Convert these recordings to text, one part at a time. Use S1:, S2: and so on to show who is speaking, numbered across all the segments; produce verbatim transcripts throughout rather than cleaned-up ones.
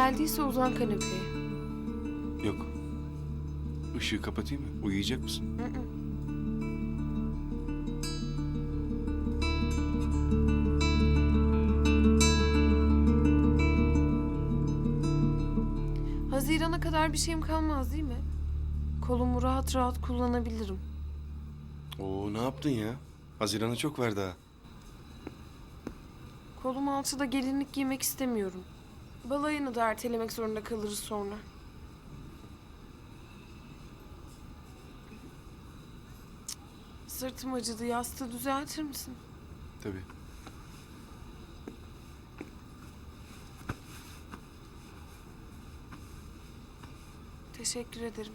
S1: geldiyse uzan kanepeye.
S2: Yok. Işığı kapatayım mı? Uyuyacak mısın?
S1: Hı hı. Hazirana kadar bir şeyim kalmaz değil mi? Kolumu rahat rahat kullanabilirim.
S2: Oo, ne yaptın ya? Haziran'a çok ver daha.
S1: Kolum altıda gelinlik giymek istemiyorum. Balayını da ertelemek zorunda kalırız sonra. Cık, sırtım acıdı. Yastığı düzeltir misin?
S2: Tabii.
S1: Teşekkür ederim.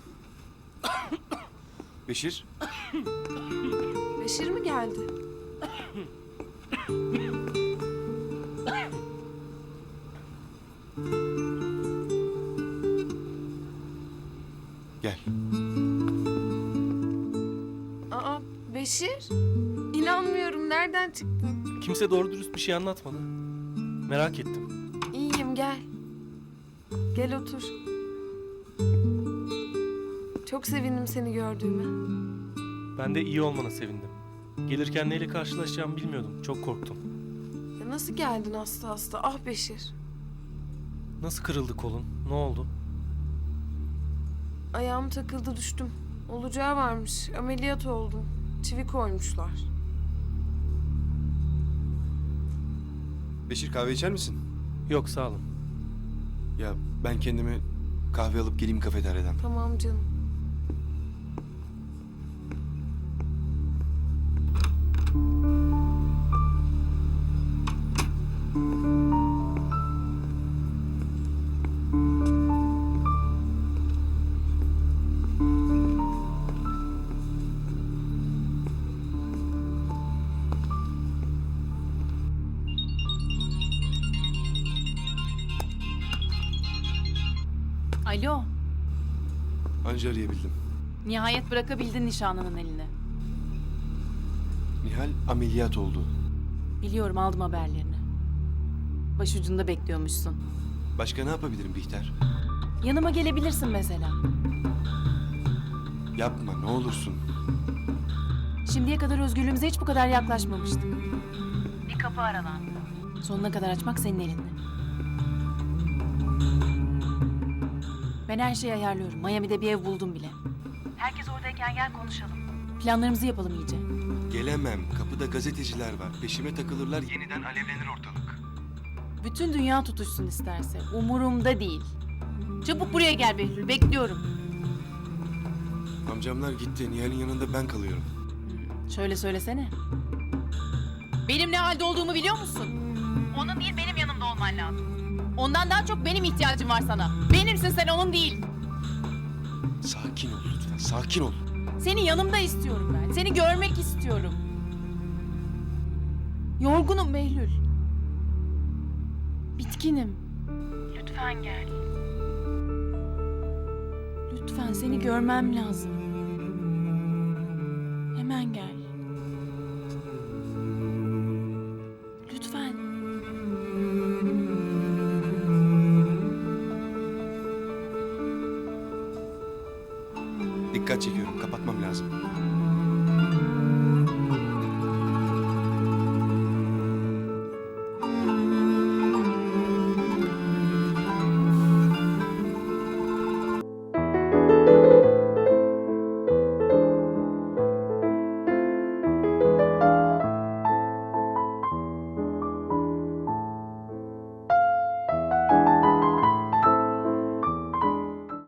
S2: Beşir,
S1: Beşir mi geldi?
S2: gel.
S1: Aa, Beşir? İnanmıyorum. Nereden çıktın?
S3: Kimse doğru dürüst bir şey anlatmadı. Merak ettim.
S1: İyiyim, gel. Gel otur. Çok sevindim seni gördüğüme.
S3: Ben de iyi olmana sevindim. Gelirken neyle karşılaşacağımı bilmiyordum. Çok korktum.
S1: Ya nasıl geldin hasta hasta? Ah Beşir.
S3: Nasıl kırıldı kolun? Ne oldu?
S1: Ayağım takıldı, düştüm. Olacağı varmış. Ameliyat oldum. Çivi koymuşlar.
S2: Beşir, kahve içer misin?
S3: Yok sağ olun.
S2: Ya ben kendime kahve alıp geleyim kafeteryadan.
S1: Tamam canım.
S4: Alo,
S2: Anca arayabildim.
S4: nihayet bırakabildin nişanlının eline.
S2: Nihal ameliyat oldu.
S4: Biliyorum, aldım haberlerini. Başucunda bekliyormuşsun.
S2: Başka ne yapabilirim Bihter?
S4: Yanıma gelebilirsin mesela.
S2: Yapma ne olursun.
S4: Şimdiye kadar özgürlüğümüze hiç bu kadar yaklaşmamıştık. Bir kapı aralandı. Sonuna kadar açmak senin elinde. Ben her şeyi ayarlıyorum. Miami'de bir ev buldum bile. Herkes oradayken gel konuşalım. Planlarımızı yapalım iyice.
S2: Gelemem. Kapıda gazeteciler var. Peşime takılırlar, yeniden alevlenir ortalık.
S4: Bütün dünya tutuşsun isterse. Umurumda değil. Çabuk buraya gel Behlül. Bekliyorum.
S2: Amcamlar gitti. Nihal'in yanında ben kalıyorum.
S4: Şöyle söylesene. Benim ne halde olduğumu biliyor musun? Onun değil, benim yanımda olman lazım. Ondan daha çok benim ihtiyacım var sana. Benimsin sen, onun değil.
S2: Sakin ol lütfen. Sakin ol.
S4: Seni yanımda istiyorum ben. Seni görmek istiyorum. Yorgunum Behlül. Bitkinim. Lütfen gel. Lütfen, seni görmem lazım. Hemen gel. Lütfen.
S2: Dikkat çekiyorum. Kapatmam lazım.